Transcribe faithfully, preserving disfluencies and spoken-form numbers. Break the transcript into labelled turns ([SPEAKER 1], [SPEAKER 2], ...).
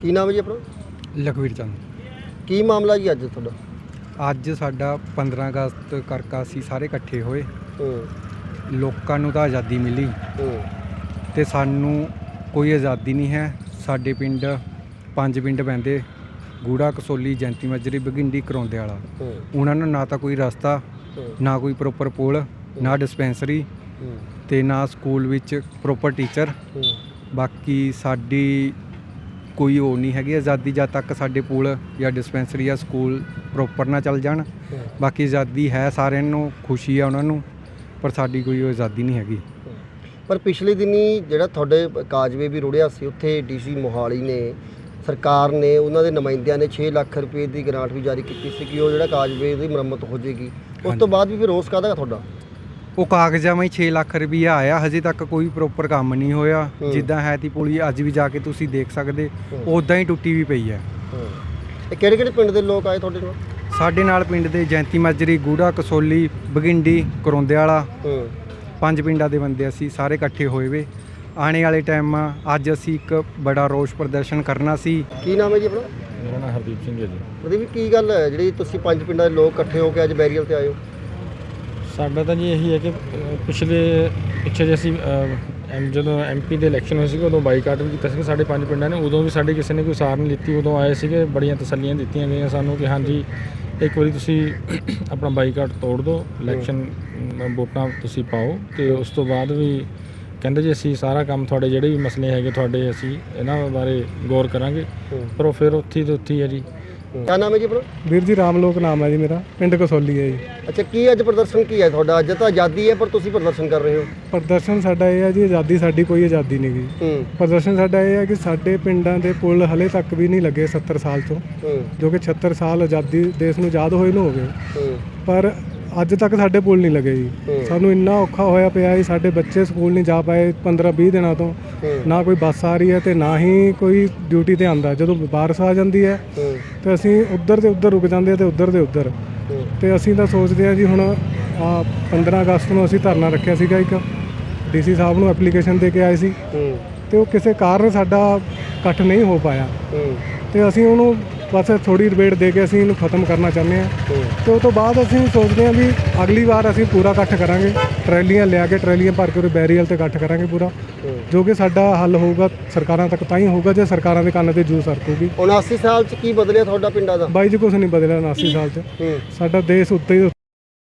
[SPEAKER 1] ਕੀ ਨਾਮ ਹੈ ਜੀ ਆਪਣਾ?
[SPEAKER 2] ਲਖਵੀਰ ਚੰਦ।
[SPEAKER 1] ਕੀ ਮਾਮਲਾ ਜੀ ਅੱਜ ਤੁਹਾਡਾ?
[SPEAKER 2] ਅੱਜ ਸਾਡਾ ਪੰਦਰਾਂ ਅਗਸਤ ਕਰਕੇ ਅਸੀਂ ਸਾਰੇ ਇਕੱਠੇ ਹੋਏ।
[SPEAKER 1] ਹੂੰ
[SPEAKER 2] ਲੋਕਾਂ ਨੂੰ ਤਾਂ ਆਜ਼ਾਦੀ ਮਿਲੀ
[SPEAKER 1] ਹੂੰ
[SPEAKER 2] ਤੇ ਸਾਨੂੰ ਕੋਈ ਆਜ਼ਾਦੀ ਨਹੀਂ ਹੈ। ਸਾਡੇ ਪਿੰਡ ਪੰਜ ਪਿੰਡ ਪੈਂਦੇ, ਗੂੜਾ, ਕਸੋਲੀ, ਜੈਂਤੀ ਮੱਜਰੀ, ਬਗਿੰਡੀ, ਕਰੌਂਦੇ ਵਾਲਾ।
[SPEAKER 1] ਹੂੰ
[SPEAKER 2] ਉਹਨਾਂ ਨੂੰ ਨਾ ਤਾਂ ਕੋਈ ਰਸਤਾ,
[SPEAKER 1] ਹੂੰ
[SPEAKER 2] ਨਾ ਕੋਈ ਪ੍ਰੋਪਰ ਪੁਲ, ਨਾ ਡਿਸਪੈਂਸਰੀ
[SPEAKER 1] ਹੂੰ
[SPEAKER 2] ਤੇ ਨਾ ਸਕੂਲ ਵਿੱਚ ਪ੍ਰੋਪਰ ਟੀਚਰ।
[SPEAKER 1] ਹੂੰ
[SPEAKER 2] ਬਾਕੀ ਸਾਡੀ ਕੋਈ ਉਹ ਨਹੀਂ ਹੈਗੀ ਆਜ਼ਾਦੀ ਜਦ ਤੱਕ ਸਾਡੇ ਪੁਲ ਜਾਂ ਡਿਸਪੈਂਸਰੀ ਜਾਂ ਸਕੂਲ ਪ੍ਰੋਪਰ ਨਾ ਚੱਲ ਜਾਣ। ਬਾਕੀ ਆਜ਼ਾਦੀ ਹੈ, ਸਾਰਿਆਂ ਨੂੰ ਖੁਸ਼ੀ ਆ ਉਹਨਾਂ ਨੂੰ, ਪਰ ਸਾਡੀ ਕੋਈ ਉਹ ਆਜ਼ਾਦੀ ਨਹੀਂ ਹੈਗੀ।
[SPEAKER 1] ਪਰ ਪਿਛਲੇ ਦਿਨੀ ਜਿਹੜਾ ਤੁਹਾਡੇ ਕਾਜਵੇ ਵੀ ਰੁੜਿਆ ਸੀ, ਉੱਥੇ ਡੀਸੀ ਮੋਹਾਲੀ ਨੇ, ਸਰਕਾਰ ਨੇ, ਉਹਨਾਂ ਦੇ ਨੁਮਾਇੰਦਿਆਂ ਨੇ ਛੇ ਲੱਖ ਰੁਪਏ ਦੀ ਗ੍ਰਾਂਟ ਵੀ ਜਾਰੀ ਕੀਤੀ ਸੀ ਕਿ ਉਹ ਜਿਹੜਾ ਕਾਜਵੇ ਦੀ ਮੁਰੰਮਤ ਹੋ ਜਾਏਗੀ। ਉਸ ਤੋਂ ਬਾਅਦ ਵੀ ਫਿਰ ਰੋਸ ਕਾਹਦਾ ਤੁਹਾਡਾ?
[SPEAKER 2] ਉਹ ਕਾਗਜ਼ਾਂ ਵਿੱਚ ਛੇ ਲੱਖ ਰੁਪਈਆ ਆਇਆ, ਹਜੇ ਤੱਕ ਕੋਈ ਪ੍ਰੋਪਰ ਕੰਮ ਨਹੀਂ ਹੋਇਆ। ਜਿੱਦਾਂ ਹੈ ਤੀ ਪੁਲੀ ਅੱਜ ਵੀ ਜਾ ਕੇ ਤੁਸੀਂ ਦੇਖ ਸਕਦੇ, ਉੱਦਾਂ ਹੀ ਟੁੱਟੀ ਵੀ ਪਈ ਹੈ।
[SPEAKER 1] ਇਹ ਕਿਹੜੇ ਕਿਹੜੇ ਪਿੰਡ ਦੇ ਲੋਕ ਆਏ ਤੁਹਾਡੇ ਨਾਲ?
[SPEAKER 2] ਸਾਡੇ ਨਾਲ ਪਿੰਡ ਦੇ ਜੈਂਤੀ ਮਾਜਰੀ, ਗੂੜਾ, ਕਸੋਲੀ, ਬਗਿੰਡੀ, ਕਰੌਂਦੇ ਵਾਲਾ, ਪੰਜ ਪਿੰਡਾਂ ਦੇ ਬੰਦੇ ਅਸੀਂ ਸਾਰੇ ਇਕੱਠੇ ਹੋਏ ਵੇ। ਆਉਣੇ ਵਾਲੇ ਟਾਈਮ ਅੱਜ ਅਸੀਂ ਇੱਕ ਬੜਾ ਰੋਸ ਪ੍ਰਦਰਸ਼ਨ ਕਰਨਾ ਸੀ।
[SPEAKER 1] ਕੀ ਨਾਮ ਹੈ ਜੀ ਆਪਣਾ?
[SPEAKER 3] ਮੇਰਾ ਨਾਮ ਹਰਦੀਪ ਸਿੰਘ ਹੈ ਜੀ।
[SPEAKER 1] ਉਹਦੀ ਕੀ ਗੱਲ ਹੈ ਜਿਹੜੀ ਤੁਸੀਂ ਪੰਜ ਪਿੰਡਾਂ ਦੇ ਲੋਕ ਇਕੱਠੇ ਹੋ ਕੇ ਅੱਜ ਬੈਰੀਅਲ ਤੇ ਆਏ ਹੋ?
[SPEAKER 3] ਸਾਡਾ ਤਾਂ ਜੀ ਇਹੀ ਹੈ ਕਿ ਪਿਛਲੇ ਪਿੱਛੇ ਜੇ ਅਸੀਂ ਐਮ ਜਦੋਂ ਐਮਪੀ ਦੇ ਇਲੈਕਸ਼ਨ ਹੋਏ ਸੀਗੇ, ਉਦੋਂ ਬਾਈਕਾਟ ਵੀ ਕੀਤਾ ਸੀ ਸਾਡੇ ਪੰਜ ਪਿੰਡਾਂ ਨੇ। ਉਦੋਂ ਵੀ ਸਾਡੀ ਕਿਸੇ ਨੇ ਕੋਈ ਸਾਰ ਨਹੀਂ ਲਿੱਤੀ। ਉਦੋਂ ਆਏ ਸੀਗੇ, ਬੜੀਆਂ ਤਸੱਲੀਆਂ ਦਿੱਤੀਆਂ ਗਈਆਂ ਸਾਨੂੰ ਕਿ ਹਾਂਜੀ ਇੱਕ ਵਾਰੀ ਤੁਸੀਂ ਆਪਣਾ ਬਾਈਕਾਟ ਤੋੜ ਦਿਓ, ਇਲੈਕਸ਼ਨ ਵੋਟਾਂ ਤੁਸੀਂ ਪਾਓ। ਅਤੇ ਉਸ ਤੋਂ ਬਾਅਦ ਵੀ ਕਹਿੰਦੇ ਜੀ ਅਸੀਂ ਸਾਰਾ ਕੰਮ ਤੁਹਾਡੇ ਜਿਹੜੇ ਵੀ ਮਸਲੇ ਹੈਗੇ ਤੁਹਾਡੇ, ਅਸੀਂ ਇਹਨਾਂ ਬਾਰੇ ਗੌਰ ਕਰਾਂਗੇ। ਪਰ ਉਹ ਫਿਰ ਉੱਥੇ ਤੇ ਉੱਥੇ ਹੈ ਜੀ।
[SPEAKER 1] ਕਿਆ ਨਾਮ ਹੈ ਜੀ ਆਪਣਾ?
[SPEAKER 2] ਵੀਰ ਜੀ ਰਾਮਲੋਕ ਨਾਮ ਹੈ ਜੀ ਮੇਰਾ, ਪਿੰਡ ਕਸੋਲੀ ਹੈ ਜੀ।
[SPEAKER 1] ਅੱਛਾ, ਕੀ ਅੱਜ ਪ੍ਰਦਰਸ਼ਨ ਕੀ ਹੈ ਤੁਹਾਡਾ? ਅੱਜ ਤਾਂ ਆਜ਼ਾਦੀ ਹੈ ਪਰ ਤੁਸੀਂ ਪ੍ਰਦਰਸ਼ਨ ਕਰ ਰਹੇ ਹੋ।
[SPEAKER 2] ਪ੍ਰਦਰਸ਼ਨ ਸਾਡਾ ਇਹ ਹੈ ਜੀ, ਆਜ਼ਾਦੀ ਸਾਡੀ ਕੋਈ ਆਜ਼ਾਦੀ ਨਹੀਂ ਗਈ।
[SPEAKER 1] ਹੂੰ
[SPEAKER 2] ਪ੍ਰਦਰਸ਼ਨ ਸਾਡਾ ਇਹ ਹੈ ਕਿ ਸਾਡੇ ਪਿੰਡਾਂ ਦੇ ਪੁਲ ਹਲੇ ਤੱਕ ਵੀ ਨਹੀਂ ਲੱਗੇ ਸੱਤਰ ਸਾਲ ਤੋਂ,
[SPEAKER 1] ਹੂੰ
[SPEAKER 2] ਜੋ ਕਿ ਛਿਹੱਤਰ ਸਾਲ ਆਜ਼ਾਦੀ ਦੇਸ਼ ਨੂੰ ਆਜ਼ਾਦ ਹੋਏ ਨੂੰ ਹੋ ਗਏ,
[SPEAKER 1] ਹੂੰ
[SPEAKER 2] ਪਰ ਅੱਜ ਤੱਕ ਸਾਡੇ ਪੁਲ ਨਹੀਂ ਲੱਗੇ ਜੀ। ਸਾਨੂੰ ਇੰਨਾ ਔਖਾ ਹੋਇਆ ਪਿਆ ਜੀ, ਸਾਡੇ ਬੱਚੇ ਸਕੂਲ ਨਹੀਂ ਜਾ ਪਾਏ ਪੰਦਰਾਂ ਵੀਹ ਦਿਨਾਂ ਤੋਂ। ਨਾ ਕੋਈ ਬੱਸ ਆ ਰਹੀ ਹੈ ਤੇ ਨਾ ਹੀ ਕੋਈ ਡਿਊਟੀ ਤੇ ਆਉਂਦਾ। ਜਦੋਂ ਬਾਰਿਸ਼ ਆ ਜਾਂਦੀ ਹੈ ਤੇ ਅਸੀਂ ਉੱਧਰ ਦੇ ਉੱਧਰ ਰੁਕ ਜਾਂਦੇ ਆ ਤੇ ਉੱਧਰ ਦੇ ਉੱਧਰ। ਤੇ ਅਸੀਂ ਤਾਂ ਸੋਚਦੇ ਹਾਂ ਜੀ, ਹੁਣ ਆ ਪੰਦਰਾਂ ਅਗਸਤ ਨੂੰ ਅਸੀਂ ਧਰਨਾ ਰੱਖਿਆ ਸੀਗਾ, ਇੱਕ ਡੀਸੀ ਸਾਹਿਬ ਨੂੰ ਐਪਲੀਕੇਸ਼ਨ ਦੇ ਕੇ ਆਏ ਸੀ ਤੇ ਉਹ ਕਿਸੇ ਕਾਰਨ ਸਾਡਾ ਇਕੱਠ ਨਹੀਂ ਹੋ ਪਾਇਆ ਤੇ ਅਸੀਂ ਉਹਨੂੰ ਬਸ ਥੋੜੀ ਡਿਬੇਟ ਦੇ ਕੇ ਅਸੀਂ ਇਹਨੂੰ ਖਤਮ ਕਰਨਾ ਚਾਹੁੰਦੇ ਹਾਂ। ਤੇ ਉਸ ਤੋਂ ਬਾਅਦ ਅਸੀਂ ਸੋਚਦੇ ਹਾਂ ਵੀ ਅਗਲੀ ਵਾਰ ਅਸੀਂ ਪੂਰਾ ਇਕੱਠ ਕਰਾਂਗੇ, ਟਰੈਲੀਆਂ ਲਿਆ ਕੇ ਟਰੈਲੀਆਂ ਭਰ ਕੇ ਉਹ ਬੈਰੀਅਲ ਤੇ ਇਕੱਠ ਕਰਾਂਗੇ ਪੂਰਾ, ਜੋ ਕਿ ਸਾਡਾ ਹੱਲ ਹੋਊਗਾ ਸਰਕਾਰਾਂ ਤੱਕ ਤਾਂ ਹੀ ਹੋਊਗਾ ਜੇ ਸਰਕਾਰਾਂ ਦੇ ਕੰਨ ਤੇ ਜੂ ਸਰਕੂਗੀ।
[SPEAKER 1] ਉਨਾਸੀ ਸਾਲ 'ਚ ਕੀ ਬਦਲਿਆ ਤੁਹਾਡਾ ਪਿੰਡਾਂ ਦਾ?
[SPEAKER 2] ਬਾਈ ਜੀ ਕੁਛ ਨਹੀਂ ਬਦਲਿਆ ਉਨਾਸੀ ਸਾਲ 'ਚ। ਸਾਡਾ ਦੇਸ਼ ਉੱਤੇ ਹੀ